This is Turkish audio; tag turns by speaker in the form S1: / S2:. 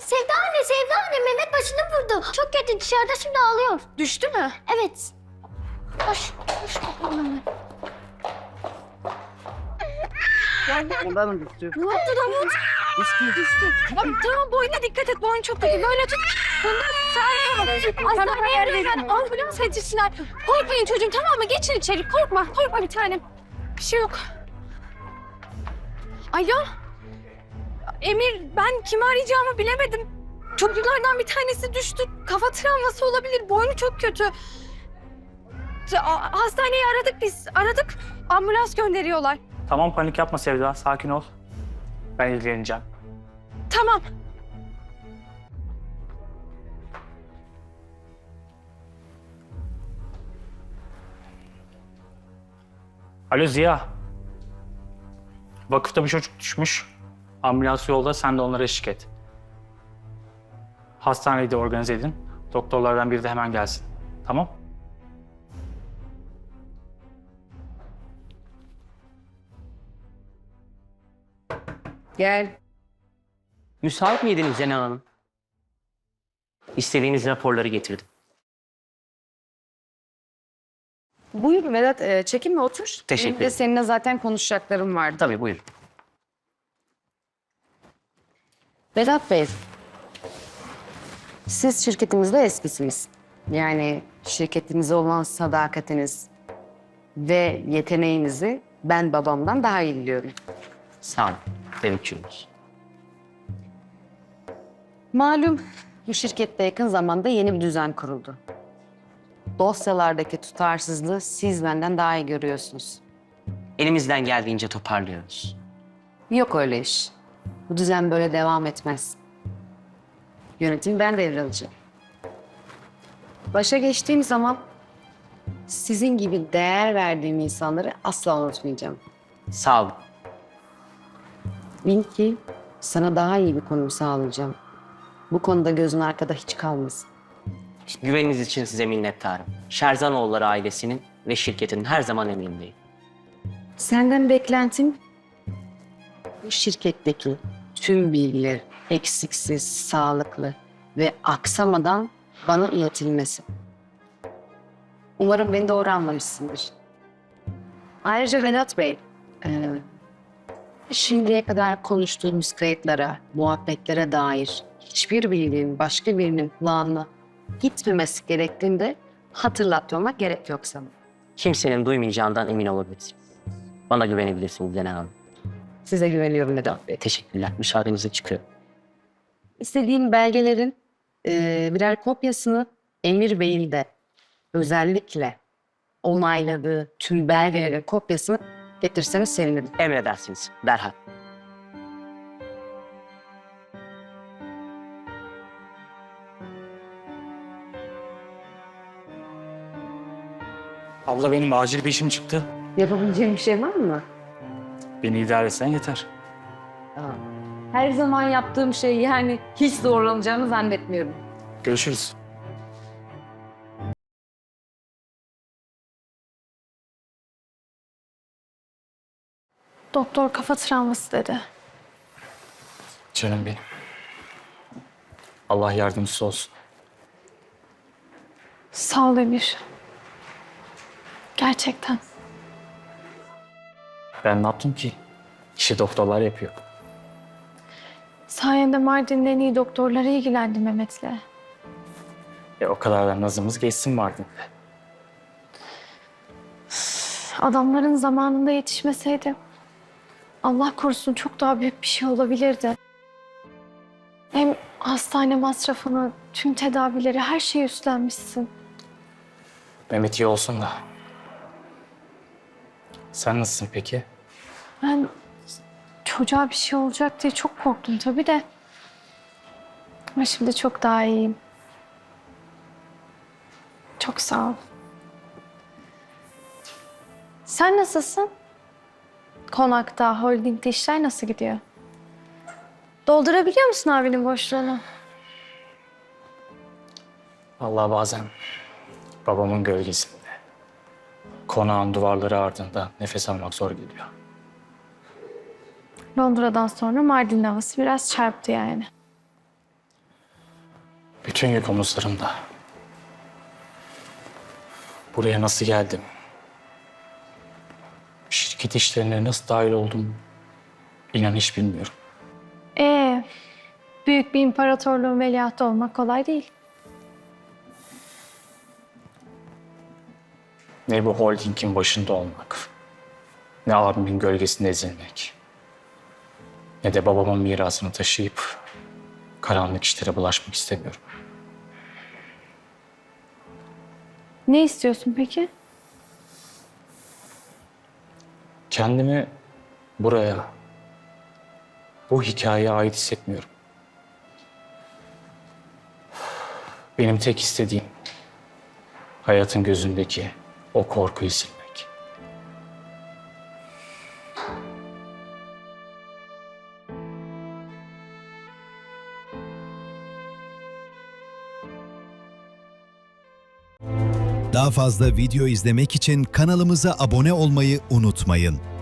S1: Sevda anne Mehmet başını vurdu. Çok kötü dışarıda şimdi ağlıyor.
S2: Düştü mü?
S1: Evet. Koş bakalım hemen.
S3: Ondan mı düştü?
S2: Ne oldu Davut? Düştü. Tamam boynuna dikkat et. Boyun çok kötü. Böyle tut. Hastaneye arayın. Ambulans yetişsinler. Korkmayın çocuğum, tamam mı? Geçin içeri. Korkma. Korkma bir tanem. Bir şey yok. Alo. Emir, ben kimi arayacağımı bilemedim. Çocuklardan bir tanesi düştü. Kafa travması olabilir. Boynu çok kötü. Hastaneyi aradık biz. Aradık. Ambulans gönderiyorlar.
S4: Tamam, panik yapma Sevda, sakin ol. Ben ilgileneceğim.
S2: Tamam.
S4: Alo Ziya. Vakıfta bir çocuk düşmüş. Ambulans yolda, sen de onlara eşlik et. Hastaneyi de organize edin. Doktorlardan biri de hemen gelsin. Tamam?
S3: Gel.
S5: Müsait miydiniz Cenal Hanım? İstediğiniz raporları getirdim.
S3: Buyur Vedat, çekinme otur.
S5: Teşekkür
S3: Benim de
S5: ederim.
S3: seninle zaten konuşacaklarım vardı.
S5: Tabii buyurun.
S3: Vedat Bey, siz şirketimizde eskisiniz. Yani şirketimize olan sadakatiniz ve yeteneğinizi ben babamdan daha iyi biliyorum.
S5: Sağ olun. Teveccühünüz.
S3: Malum bu şirkette yakın zamanda yeni bir düzen kuruldu. Dosyalardaki tutarsızlığı siz benden daha iyi görüyorsunuz.
S5: Elimizden geldiğince toparlıyoruz.
S3: Yok öyle iş. Bu düzen böyle devam etmez. Yönetimi ben devralacağım. Başa geçtiğim zaman sizin gibi değer verdiğim insanları asla unutmayacağım.
S5: Sağ olun.
S3: Bil ki sana daha iyi bir konum sağlayacağım. Bu konuda gözün arkada hiç kalmasın.
S5: Güveniniz için size minnettarım. Şerzanoğulları ailesinin ve şirketinin her zaman emrindeyim.
S3: Senden beklentim bu şirketteki tüm bilgiler eksiksiz, sağlıklı ve aksamadan bana iletilmesi. Umarım beni doğru anlamışsındır. Ayrıca Vedat Bey, şimdiye kadar konuştuğumuz kayıtlara, muhabbetlere dair hiçbir bilginin başka birinin kulağına gitmemesi gerektiğini de hatırlatmama gerek yok sana.
S5: Kimsenin duymayacağından emin olabilirsiniz. Bana güvenebilirsiniz Cenal Hanım.
S3: Size güveniyorum Vedat Bey.
S5: Teşekkürler. Müsaadenizle çıkıyorum.
S3: İstediğim belgelerin birer kopyasını Emir Bey'in de özellikle onayladığı tüm belgelerin kopyasını getirseniz sevinirim.
S5: Emredersiniz. Derhal.
S4: Abla benim acil bir işim çıktı.
S3: Yapabileceğim bir şey var mı?
S4: Beni idare etsen yeter.
S3: Her zaman yaptığım şey, yani hiç zorlanacağımı zannetmiyorum.
S4: Görüşürüz.
S2: Doktor kafa travması dedi.
S4: Canım benim. Allah yardımcısı olsun.
S2: Sağ ol Emir. Gerçekten.
S4: Ben ne yaptım ki? İşi doktorlar yapıyor.
S2: Sayende Mardin'in en iyi doktorları ilgilendi Mehmet'le.
S4: O kadar da nazımız geçsin Mardin'de.
S2: Adamların zamanında yetişmeseydi Allah korusun çok daha büyük bir şey olabilirdi. Hem hastane masrafını, tüm tedavileri, her şeyi üstlenmişsin.
S4: Mehmet iyi olsun da. Sen nasılsın peki?
S2: Ben çocuğa bir şey olacak diye çok korktum tabii de. Ama şimdi çok daha iyiyim. Çok sağ ol. Sen nasılsın? Konakta, holdingde işler nasıl gidiyor? Doldurabiliyor musun abinin boşluğunu?
S4: Vallahi bazen babamın gölgesinde, konağın duvarları ardında nefes almak zor geliyor.
S2: Londra'dan sonra Mardin havası biraz çarptı yani.
S4: Bütün yük omuzlarımda. Buraya nasıl geldim? Şirket işlerine nasıl dahil oldum? İnan hiç bilmiyorum.
S2: Büyük bir imparatorluğun veliahtı olmak kolay değil.
S4: Ne bu holdingin başında olmak, ne abimin gölgesinde ezilmek, ne de babamın mirasını taşıyıp karanlık işlere bulaşmak istemiyorum.
S2: Ne istiyorsun peki?
S4: Kendimi buraya, bu hikayeye ait hissetmiyorum. Benim tek istediğim hayatın gözündeki o korkuyu silmek.
S6: Daha fazla video izlemek için kanalımıza abone olmayı unutmayın.